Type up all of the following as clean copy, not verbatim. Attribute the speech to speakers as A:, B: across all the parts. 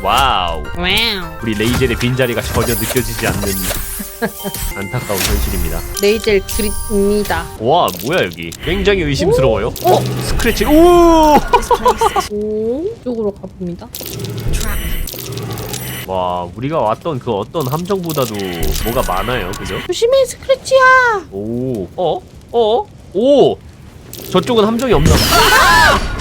A: 와우.
B: 와우.
A: 우리 레이젤의 빈자리가 전혀 느껴지지 않는 안타까운 현실입니다.
B: 레이젤 그립니다.
A: 와 뭐야 여기 굉장히 의심스러워요. 스크래치. 오!
B: 오, 이쪽으로 가봅니다.
A: 와 우리가 왔던 그 어떤 함정보다도 뭐가 많아요, 그죠?
B: 조심해, 스크래치야.
A: 오, 오, 저쪽은 함정이 없나 봐.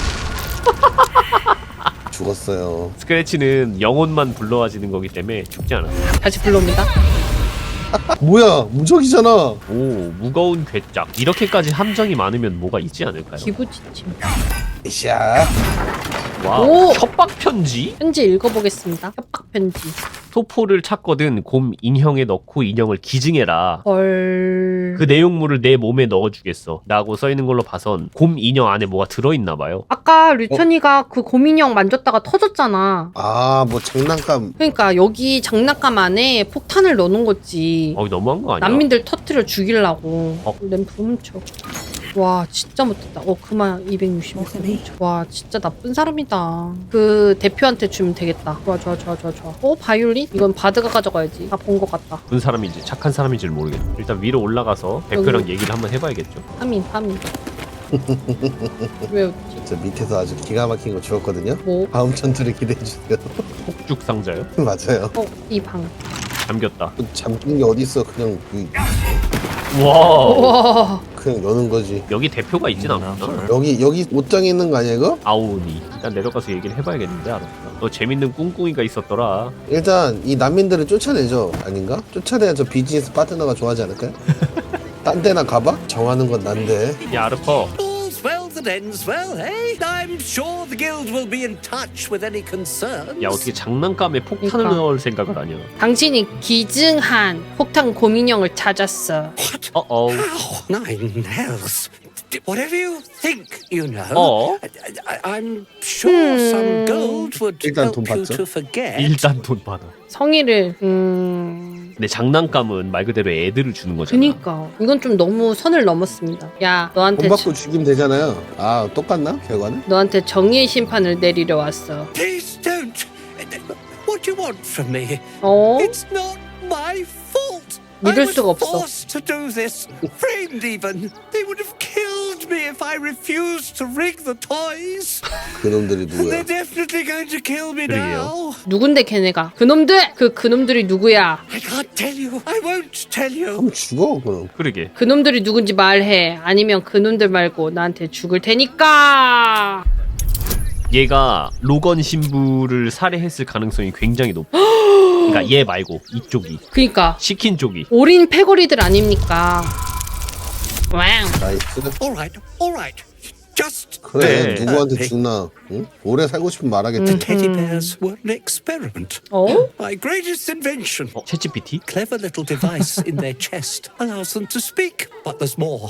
C: 죽었어요.
A: 스크래치는 영혼만 불러와지는 거기 때문에 죽지 않았어요.
B: 다시 불러옵니다.
C: 뭐야, 무적이잖아.
A: 오, 무거운 괴짝. 이렇게까지 함정이 많으면 뭐가 있지 않을까요?
B: 기부지침.
C: 샤.
A: 와우,
B: 오!
A: 협박 편지?
B: 편지 읽어보겠습니다. 협박 편지.
A: 소포를 찾거든 곰 인형에 넣고 인형을 기증해라.
B: 헐.
A: 그 내용물을 내 몸에 넣어주겠어 라고 써있는 걸로 봐선 곰 인형 안에 뭐가 들어있나 봐요.
B: 아까 류천이가 그 곰인형 만졌다가 터졌잖아.
C: 아, 뭐 장난감.
B: 그러니까 여기 장난감 안에 폭탄을 넣어놓은 거지.
A: 너무한 거 아니야?
B: 난민들 터트려 죽이려고.
A: 어?
B: 램프 훔쳐. 와 진짜 못했다. 그만 260 훔쳐. 와 진짜 나쁜 사람이다. 그 대표한테 주면 되겠다. 좋아. 바이올린? 이건 바드가 가져가야지. 다 본 것 같다.
A: 나쁜 사람인지 착한 사람인지를 모르겠어. 일단 위로 올라가서 대표랑 얘기를 한번 해봐야겠죠.
B: 파민. 왜 웃지?
C: 저 밑에서 아주 기가 막힌 거 주었거든요.
B: 뭐?
C: 다음 전투를 기대해주세요.
A: 폭죽 상자요?
C: 맞아요.
B: 이 방.
A: 잠겼다.
C: 잠긴 게 어딨어. 그냥
A: 와.
B: 와.
C: 그냥 여는 거지.
A: 여기 대표가 있진 않구나.
C: 여기 옷장에 있는 거 아니야 이거?
A: 아오니. 일단 내려가서 얘기를 해봐야겠는데 알았어. 너 재밌는 꿍꿍이가 있었더라.
C: 일단 이 난민들을 쫓아내죠. 아닌가? 쫓아내야 저 비즈니스 파트너가 좋아하지 않을까요? 딴 데나 가봐? 정하는 건 난데.
A: 야 아르퍼.
D: All's well that ends well, eh? I'm sure the guild will be in touch with any concerns.
A: 야 어떻게 장난감에 폭탄을
B: 그러니까.
A: 넣을 생각을 하냐.
B: 당신이 기증한 폭탄 곰인형을 찾았어.
D: What?
A: 어어.
D: Oh, nine hells. Whatever you think, you know.
A: 어?
D: I'm sure some gold would
C: 일단
D: help
C: 돈
D: you
C: 받죠.
D: to forget.
A: 일단 돈 받아.
B: 성의를
A: 근데 장난감은 말 그대로 애들을 주는 거잖아.
B: 그니까 이건 좀 너무 선을 넘었습니다. 야
C: 돈 받고 죽이면 되잖아요. 아, 똑같나? 결과는?
B: 너한테 정의의 심판을 내리려 왔어.
D: Please don't. What do you want from me?
B: 어?
D: It's not my fault.
B: 믿을
D: I was
B: 수가 없어.
D: forced to do this. Framed even. They would have killed me if I refused to rig the toys.
C: 그놈들이
D: And
C: 누구야?
D: they're definitely going to kill me
A: 그러게요.
D: now.
B: 누군데 걔네가? 그놈들! 그놈들이 누구야?
D: I can't tell you. I won't tell you.
C: 그럼 죽어 그럼.
A: 그러게.
B: 그놈들이 누군지 말해. 아니면 그놈들 말고 나한테 죽을 테니까.
A: 얘가 로건 신부를 살해했을 가능성이 굉장히 높아. 그러니까 얘 말고 이쪽이
B: 그니까
A: 시킨 쪽이.
B: 올인 패거리들 아닙니까? 와우.
C: 나이스.
D: All right. Just
C: 그래,
A: 네.
C: 누구한테 죽나? 응? 오래 살고 싶으면 말하겠지.
D: teddy bears were an experiment.
B: 어?
D: My greatest invention.
A: 챗GPT?
D: Clever little device in their chest allows them to speak, but there's more.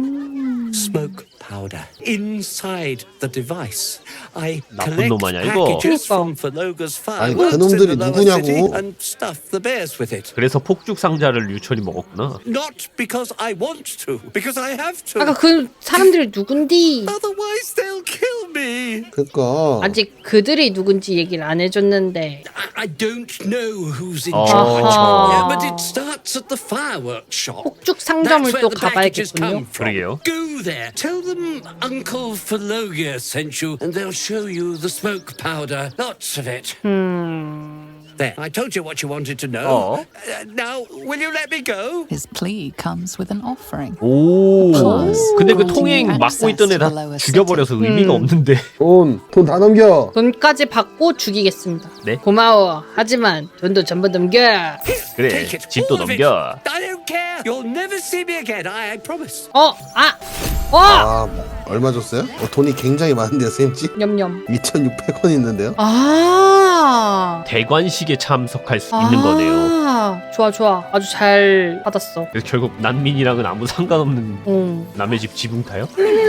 D: Smoke powder inside the device. I
A: 나쁜
D: collect
A: 놈 아니야, 이거?
D: packages
B: 그러니까.
D: from Verloga's
C: 아니,
D: fireworks in
C: 그놈들이
D: the lower
C: 누구냐고.
D: city and stuff the bears with it.
A: 그래서 폭죽 상자를 유철이 먹었구나.
D: Not because I want to, because I have to.
B: 아까 그 사람들이 누군디?
D: Otherwise they'll kill me.
C: 그니까.
B: 아직 그들이 누군지 얘기를 안 해줬는데.
D: I don't know who's in
A: Oh.
D: charge.
B: 아하.
D: Yeah, but it starts at the fireworks shop.
B: 폭죽 상점을
D: That's where
B: 또
D: the packages
B: 가봐야겠군요.
D: come from.
A: 그러게요.
D: Go there. Tell them Uncle Philologia sent you, and they'll show you the smoke powder. Lots of it. There. I told you what you wanted to know. Now, will you let me go?
E: His plea comes with an offering.
A: 오.
E: Plus,
A: 근데 그
E: granting
A: 통행 막고
E: access
A: 있던 애
E: to
A: 다
E: the lower
A: 죽여버려서
E: city.
A: 의미가 없는데.
C: 돈 다 넘겨.
B: 돈까지 받고 죽이겠습니다.
A: 네?
B: 고마워. 하지만 돈도 전부 넘겨.
A: 그래,
D: Take it.
A: 집도
D: all of it.
A: 넘겨.
D: I don't care. You'll never see me again. I promise.
C: 아, 뭐, 얼마 줬어요? 돈이 굉장히 많은데요, 쌤지?
B: 냠냠.
C: 2,600원 있는데요?
A: 대관식에 참석할 수 있는 거네요.
B: 좋아. 아주 잘 받았어.
A: 그래서 결국 난민이랑은 아무 상관없는 남의 집 지붕 타요?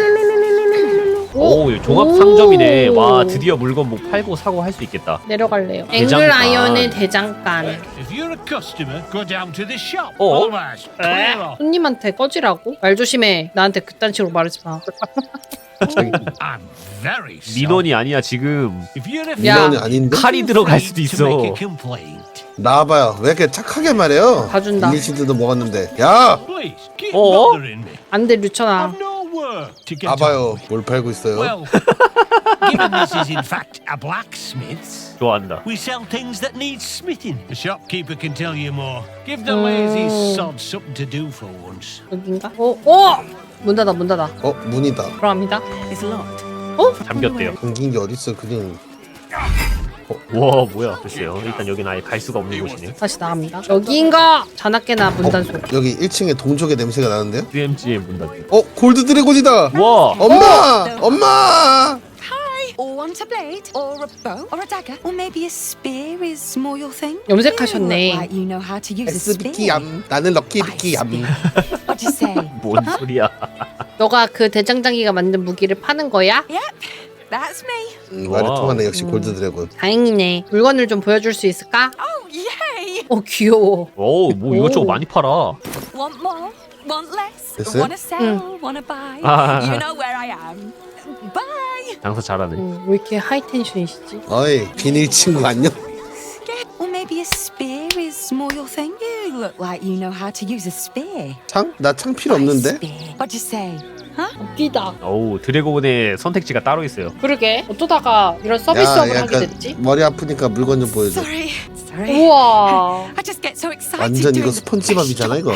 A: 오, 종합 상점이네. 와, 드디어 물건 뭐 팔고 사고 할 수 있겠다.
B: 내려갈래요.
A: 대장간.
B: 앵글 아이언의 대장간.
F: If you're a customer, go down to this shop.
A: Oh.
F: Otherwise, clear off.
B: 손님한테 꺼지라고? 말 조심해. 나한테 그딴 식으로 말하지 마.
F: I'm very sorry.
A: 민원이 아니야 지금.
F: If you're a
B: 야.
C: 민원이 아닌데?
A: 칼이 들어갈 수도
F: to
A: 있어.
F: make a complaint,
C: 나와봐요. 왜 이렇게 착하게 말해요?
B: 봐준다.
C: 일리시드도 먹었는데. 야!
F: please keep
A: 어?
F: bothering me.
B: 안돼 류천아.
F: I've no work to get
C: 봐봐요.
F: on with.
C: 뭘 팔고 있어요?
F: Well, given this is in fact a blacksmith's,
A: 좋아한다.
F: we sell things that need smithing. The shopkeeper can tell you more. Give the lazy sods something to do for once.
B: 여긴가? 어? 문 닫아 문 닫아.
C: 문이다.
B: 들어갑니다.
E: Is locked.
A: 잠겼대요.
C: 감긴 게 어딨어. 그냥
A: 와 뭐야 글쎄요. 일단 여긴 아예 갈 수가 없는 곳이네.
B: 다시 나갑니다. 여기인가? 자나깨나 문단속.
C: 여기 1층에 동족의 냄새가 나는데요?
A: DMG의 문 닫기.
C: 골드 드래곤이다.
A: 와.
C: 엄마! 엄마!
G: Hi. Or want a blade, or a bow, or a dagger, or maybe a spear is more your thing.
B: 염색하셨네.
G: Like you know how to use a
C: 엑스비키
G: spear.
C: 얌. 나는 럭키비키 얌.
G: What do you say?
A: 뭔 소리야?
B: 너가 그 대장장이가 만든 무기를 파는 거야?
G: Yep, that's me.
C: 말이
A: 와우.
C: 통하네. 역시 골드 드래곤.
B: 다행이네. 물건을 좀 보여줄 수 있을까?
G: Oh yay!
B: 귀여워.
A: 뭐 이것저것 많이 팔아.
G: Want more? Want less?
C: 됐어요?
G: Wanna sell? Wanna buy?
A: 아.
G: You know where I am. Bye.
A: 장사 잘하네.
B: 왜 이렇게 하이텐션이시지?
C: 어이, 비닐 친구 안녕?
G: Get. Or maybe a spear is more your thing. You look like you know how to use a spear.
C: 창? 나 창 필요
G: Buy a
C: 없는데?
G: spear. What do you say?
B: 웃기다.
A: 어우 드래곤의 선택지가 따로 있어요.
B: 그러게. 어쩌다가 이런 서비스업을 하게 됐지?
C: 머리 아프니까 물건 좀 보여줘.
G: Sorry. Sorry.
B: 우와.
G: I just get so excited.
C: 완전 이거
G: doing
C: 스폰지밥이잖아, 이거.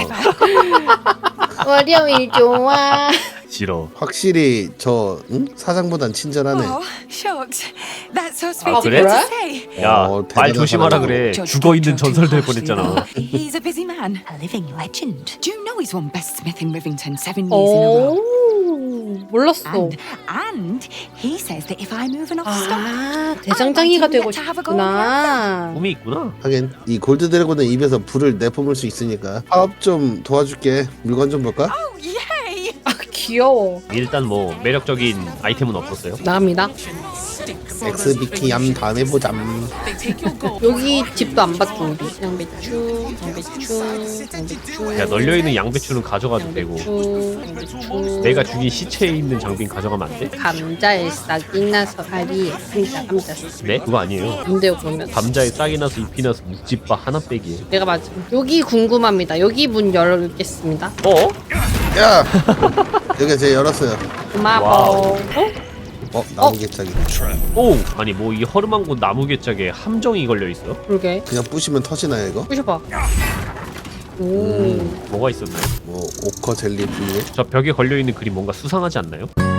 B: 월요일 좋아.
A: 싫어.
C: 확실히 저 사장보단 친절하네.
G: Oh, shucks. That's so sweet
A: 아,
G: of
A: 그래?
G: you to say.
A: 야 말
C: 대단한
A: 조심하라
C: 사람이다.
A: 그래.
G: Judge
A: 죽어 있는
G: Doctor too
A: 전설 될
G: harshly,
A: 뻔했잖아.
G: though. He's a busy man, a living legend. Do you know he's won Best Smith in Rivington 7 years in a row?
B: 오, 몰랐어.
G: And he says that if I move enough stock,
B: 아, 대장장이가 되고 싶구나.
A: 꿈이 있구나.
C: 하긴 이 골드 드래곤은 입에서 불을 내뿜을 수 있으니까 사업 좀 도와줄게. 물건 좀 볼까?
G: oh yay!
B: 귀여워.
A: 일단 뭐 매력적인 아이템은 없었어요.
B: 나갑니다.
C: 엑스비키 얌 다음에 보잠.
B: 여기 집도 안 봤죠, 우리. 양배추, 양배추, 양배추.
A: 야 널려 있는 양배추는 가져가도 되고
B: 양배추.
A: 내가 죽인 시체에 있는 장빈 가져가면 안 돼?
B: 감자에 싹이 나서 알이 감자.
A: 네? 그거 아니에요.
B: 뭔데요, 그러면?
A: 감자에 싹이 나서 잎이 나서 묵집바 하나 빼기예요.
B: 내가 맞아. 여기 궁금합니다. 여기 문 열겠습니다.
A: 어?
C: 야! 여기 제가 열었어요.
B: 고마워.
C: 나무 개짝이.
A: 오! 아니 뭐 이 허름한 곳 나무 개짝에 함정이 걸려 있어?
B: 그러게.
C: 그냥 부시면 터지나요 이거?
B: 부셔봐. 오.
A: 뭐가 있었나요?
C: 뭐 오커 젤리 분유?
A: 저 벽에 걸려 있는 그림 뭔가 수상하지 않나요?